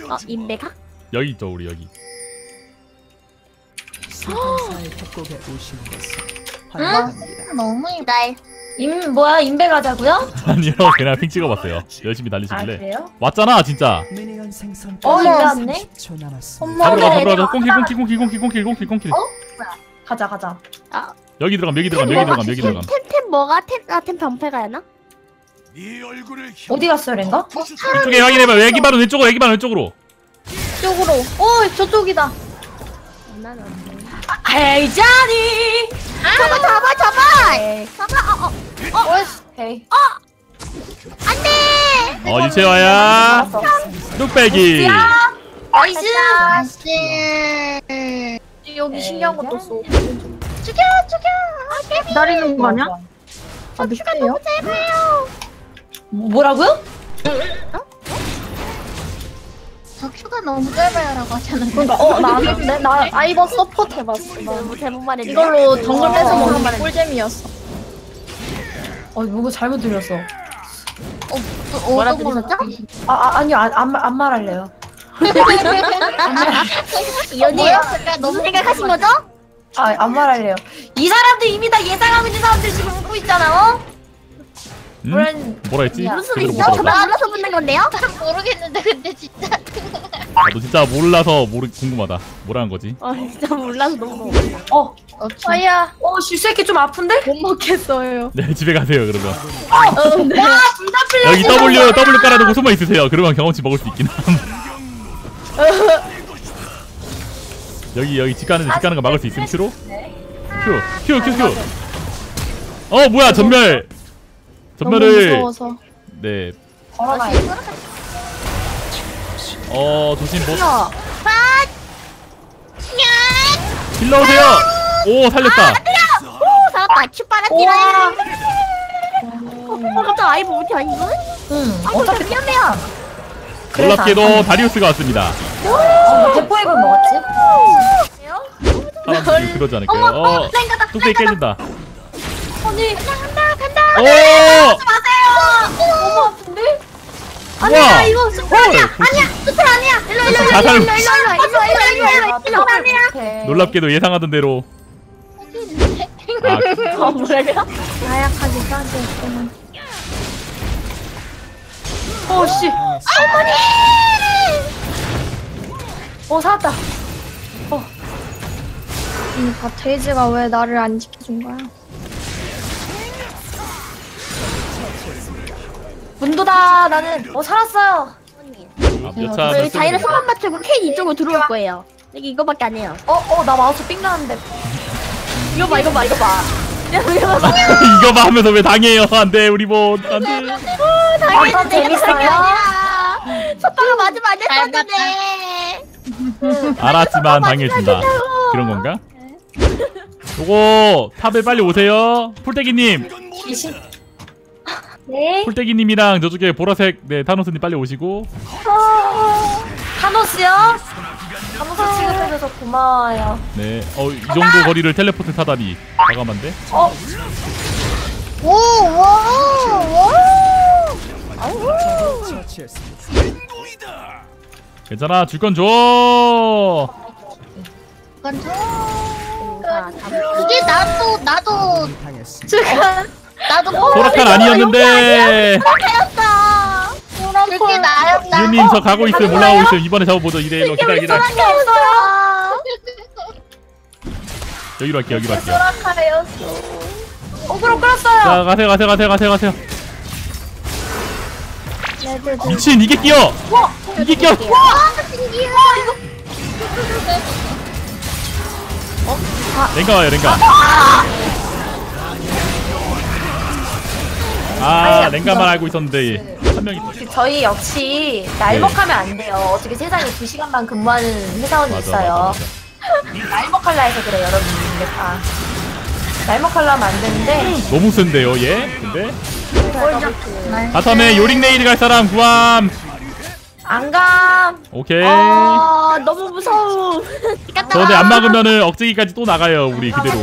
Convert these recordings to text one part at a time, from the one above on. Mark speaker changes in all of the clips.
Speaker 1: 인베가?
Speaker 2: 여기 있죠 우리 여기.
Speaker 3: 수건사의 협곡에 오신 것을 환영합니다.
Speaker 4: 너무 예뻐.
Speaker 1: 날.
Speaker 5: 뭐야 인베 가자고요?
Speaker 2: 아니요 그냥 핑 찍어봤어요. 열심히
Speaker 5: 아
Speaker 2: 달리시길래.
Speaker 5: 그래요?
Speaker 2: 왔잖아 진짜.
Speaker 3: 미니언 생성.
Speaker 5: 인베 왔네?
Speaker 3: 30초 남았습니다.
Speaker 5: 엄마.
Speaker 2: 잡으러 가
Speaker 5: 그래,
Speaker 2: 잡으러 가. 꽁킬.
Speaker 5: 가자 가자.
Speaker 2: 여기 들어감.
Speaker 1: 템 뭐가? 템 병패가야나?
Speaker 5: 어디 갔어요 랭가?
Speaker 2: 이쪽에 확인해봐. 애기 바로 왼쪽으로.
Speaker 5: 쪽으로. 저쪽이다.
Speaker 1: 난 안 돼.
Speaker 5: 에이 자니.
Speaker 1: 잡아!
Speaker 5: 에이.
Speaker 1: 잡아!
Speaker 5: 에이.
Speaker 1: 안돼!
Speaker 2: 유채화야. 뚝배기.
Speaker 5: 나이스.
Speaker 4: 나이스.
Speaker 5: 여기 신기한 것도 쏘.
Speaker 1: 죽여!
Speaker 5: 기다리는 거 아니야? 아
Speaker 1: 너무 짧아요.
Speaker 5: 뭐라고요?
Speaker 4: 저 큐가 너무 짧아요라고 하잖아.
Speaker 5: 그러니까 나 아이번 서포트 해봤어.
Speaker 1: 너무 잘못만 했네.
Speaker 5: 이걸로 덩글 뺏어 먹는 게
Speaker 1: 말
Speaker 5: 꿀잼이었어. 뭐가 잘못 들렸어.
Speaker 1: 뭐라
Speaker 4: 어떤 걸로
Speaker 1: 들으셨죠?
Speaker 5: 아니요 안 말할래요.
Speaker 1: 연이
Speaker 4: 뭐였을까?
Speaker 1: 너무 생각하신 거죠?
Speaker 5: 안 말할래요. 이 사람들 이미 다 예상하고 있는 사람들 지금 웃고 있잖아.
Speaker 2: 뭐라 했지?
Speaker 1: 무슨
Speaker 2: 제대로 못
Speaker 1: 있어? 저
Speaker 2: 알아봤다.
Speaker 1: 몰라서 붙는 건데요?
Speaker 4: 잘 모르겠는데 근데 진짜.
Speaker 2: 나도 진짜 몰라서 궁금하다. 뭐라는 거지?
Speaker 1: 진짜 몰라서 너무
Speaker 5: 아야. 실수했기 좀 아픈데?
Speaker 1: 못 먹겠어요.
Speaker 2: 네 집에 가세요 그러면.
Speaker 5: 네.
Speaker 2: 여기 W 깔아두고 숨어 있으세요. 그러면 경험치 먹을 수 있긴 함. 여기 집 가는 거 막을 수 있음 큐로? 큐. 뭐야 전멸을.
Speaker 5: 무서워서.
Speaker 2: 네.
Speaker 5: 걸어가요.
Speaker 2: 조심 뭐.
Speaker 1: 야!
Speaker 2: 힐러 오세요. 오 살렸다.
Speaker 1: 오! 살았다! 큐 빨았지라! 갑자기 아이브 울티 아니고?
Speaker 5: 응.
Speaker 1: 어차피 위험해요!
Speaker 2: 놀랍게도 다리우스가 왔습니다.
Speaker 5: 대포액을 먹었지?
Speaker 2: 사람들이 그러지 않을까요? 뚝배기 깨진다.
Speaker 5: 언니.
Speaker 1: 간다!
Speaker 2: 오!
Speaker 5: 너무 아픈데?
Speaker 2: 우와!
Speaker 1: 이거 스플 아니야! 스플 아니야! 일로 아니야!
Speaker 2: 놀랍게도 예상하던 대로.
Speaker 1: 뭐라고요?
Speaker 5: 나약하게 싸졌구만. 씨. 살았다.
Speaker 6: 데이지가 왜 나를 안 지켜준 거야?
Speaker 5: 문도다. 나는 살았어요.
Speaker 2: 몇차
Speaker 1: 저희 자이를 손만 맞추고 케인 이쪽으로 들어올 거예요. 여기 이거밖에 안 해요.
Speaker 5: 나 마우스 삥 나는데.
Speaker 1: 이거 봐.
Speaker 2: 이거 봐 하면서 왜 당해요? 안돼 우리 뭐 안돼.
Speaker 5: 재밌어요?
Speaker 1: 첫방을 맞으면 안 됐었는데.
Speaker 2: 알았지만 당해준다. 그런 건가? 요거 탑에 빨리 오세요. 풀떼기님.
Speaker 5: 네.
Speaker 2: 풀떼기님이랑 저쪽에 보라색 타노스님 빨리 오시고.
Speaker 5: 타노스요? 타노스 취급해줘서 고마워요.
Speaker 2: 네. 이 정도 거리를 텔레포트 타다니 과감한데?
Speaker 4: 오.
Speaker 3: 처치했습니다.
Speaker 2: 괜찮아 줄 건 줘.
Speaker 4: 이건 좀. 이게 나도
Speaker 3: 당했습니다.
Speaker 4: 나도
Speaker 2: 소라칸 아니었는데.
Speaker 4: 그게 나였다.
Speaker 2: 이은님 저 가고 있어요. 올라가고 있어요. 이번에 잡아보죠. 2대1로 기다려.
Speaker 5: 게 없어요.
Speaker 2: 여기로 할게요.
Speaker 5: 소라카였어. 어그로 끌었어요.
Speaker 2: 자 가세요. 미친 이게 끼어. 이게 끼어. 랭가 와요. 랭가만 알고 있었는데 한 명이 더.
Speaker 5: 저희 역시 날먹하면 안 돼요. 어떻게 세상에 2시간만 근무하는 회사원이 있어요. 날먹할라 해서 그래 여러분. 다 날먹할라 하면 안 되는데.
Speaker 2: 너무 센데요 얘? 근데 바텀에 요링 네일 갈 사람 구함.
Speaker 5: 안감.
Speaker 2: 오케이.
Speaker 1: 너무 무서워.
Speaker 2: 저 근데 안 막으면은 억제기까지 또 나가요 우리 그대로.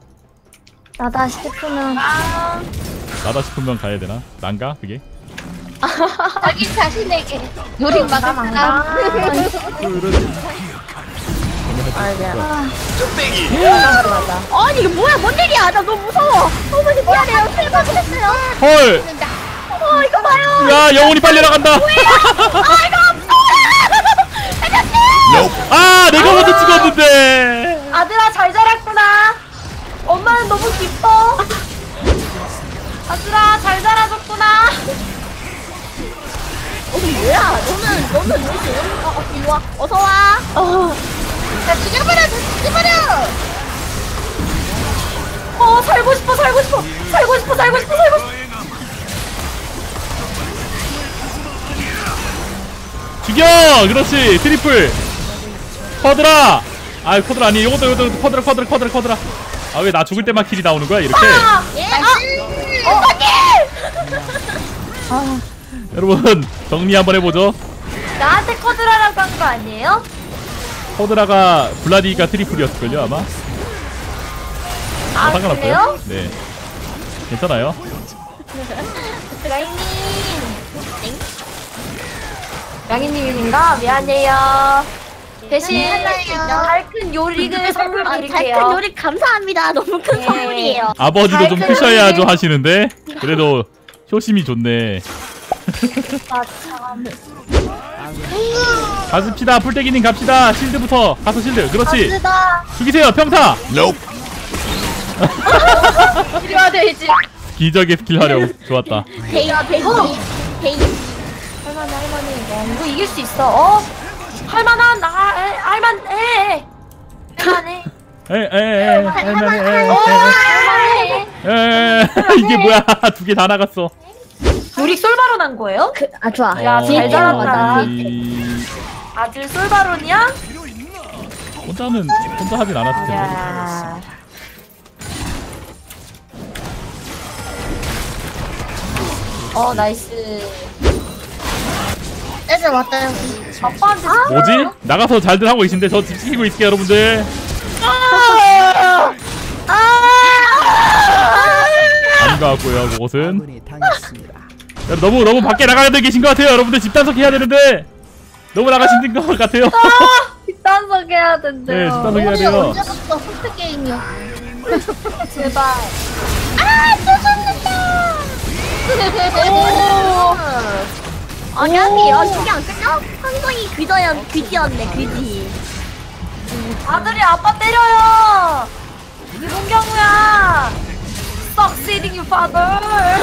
Speaker 6: 나다 싶으면
Speaker 2: 나다 싶으면 가야 되나? 난가 그게?
Speaker 4: 자기 자신에게 요리 막을 사람.
Speaker 1: 아니 이게 뭐야? 뭔 일이야? 나 너무 무서워. 어머니 미안해요. 실망을 했어요.
Speaker 2: 헐.
Speaker 1: 이거 봐요.
Speaker 2: 야 영혼이 빨리 나간다. 아 내가 먼저 찍었는데.
Speaker 5: 아들아 잘 자랐구나. 엄마는 너무 기뻐. 아들아 잘 자라줬구나.
Speaker 1: 뭐야? 너는 왜 이렇게 이리 와. 어서 와.
Speaker 4: 자, 죽여버려! 죽여버려!
Speaker 5: 살고 싶어.
Speaker 2: 죽여. 그렇지. 트리플. 쿼드라. 아 쿼드라 아니 이것도 쿼드라. 아 왜 나 죽을 때만 킬이 나오는 거야 이렇게? 여러분 정리 한번 해보죠.
Speaker 5: 나한테 커드라라고 한 거 아니에요?
Speaker 2: 쿼드라가 블라디가 트리플이었을걸요 아마.
Speaker 5: 아
Speaker 2: 상관없고요.
Speaker 5: 그래요?
Speaker 2: 네. 괜찮아요.
Speaker 5: 양이님인가? 미안해요. 대신
Speaker 4: 괜찮아요.
Speaker 5: 달큰 요리를 선물 드릴게요.
Speaker 1: 달큰 요리 감사합니다. 너무 큰
Speaker 5: 네.
Speaker 1: 선물이에요.
Speaker 2: 아버지도 좀
Speaker 5: 달큰이-
Speaker 2: 크셔야죠 하시는데 그래도 효심이 좋네.
Speaker 5: 아, 참.
Speaker 2: 가십시다. 풀떼기님 갑시다. 실드부터 가서 실드. 그렇지.
Speaker 5: 아들아.
Speaker 2: 죽이세요 평타.
Speaker 5: 필요하 돼지.
Speaker 2: 기적의 스킬 활용 좋았다.
Speaker 1: 데이.
Speaker 5: 할만해. 이거 이길 수 있어. 할만한 할만해. 할만해.
Speaker 2: 이게 뭐야? 두 개 다 나갔어.
Speaker 5: 요리 솔바론 한 거예요?
Speaker 1: 아 좋아.
Speaker 5: 야, 잘 자랐다.
Speaker 2: 이-
Speaker 5: 아들 솔바론이야?
Speaker 2: 혼자 하진 않았을 텐데.
Speaker 5: 야. 나이스.
Speaker 4: 애들 왔다, 여기.
Speaker 5: 아빠한테
Speaker 2: 뭐지? 나가서 잘들 하고 계신데 저 집 지키고 있을게요 여러분들. 아닌 것 같고요 그곳은.
Speaker 3: 아군이 당했습니다.
Speaker 2: 너무 밖에 나가야 계신 것 같아요 여러분들. 집단속 해야 되는데 너무 나가신 것 같아요.
Speaker 6: 뒷단속 해야
Speaker 2: 네
Speaker 6: 된대요.
Speaker 2: 집단속 해야
Speaker 4: 우리
Speaker 2: 돼요.
Speaker 4: 언제부터 호프 게임이야?
Speaker 5: 제발.
Speaker 1: 아니 저게 안 끝나? 한성이 귀지였네 귀지.
Speaker 5: 아들이 아빠 때려요. 이게 뭔 경우야? Succeeding you father.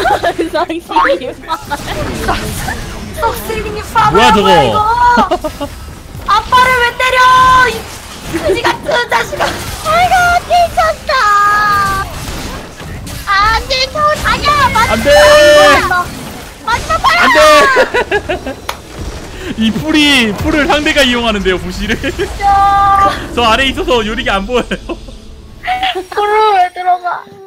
Speaker 5: Succeeding you father.
Speaker 2: 뭐야, 저거?
Speaker 5: 이거? 아빠를 왜 때려? 이 그지 같은 자식아.
Speaker 1: 아이고 미쳤다. 안돼 저 아니야
Speaker 2: 안돼.
Speaker 1: 마지막 발.
Speaker 2: 안돼. 이 풀을 상대가 이용하는데요 부시를. 저 아래에 있어서 요리가 안 보여요.
Speaker 6: 불을 왜 들어가?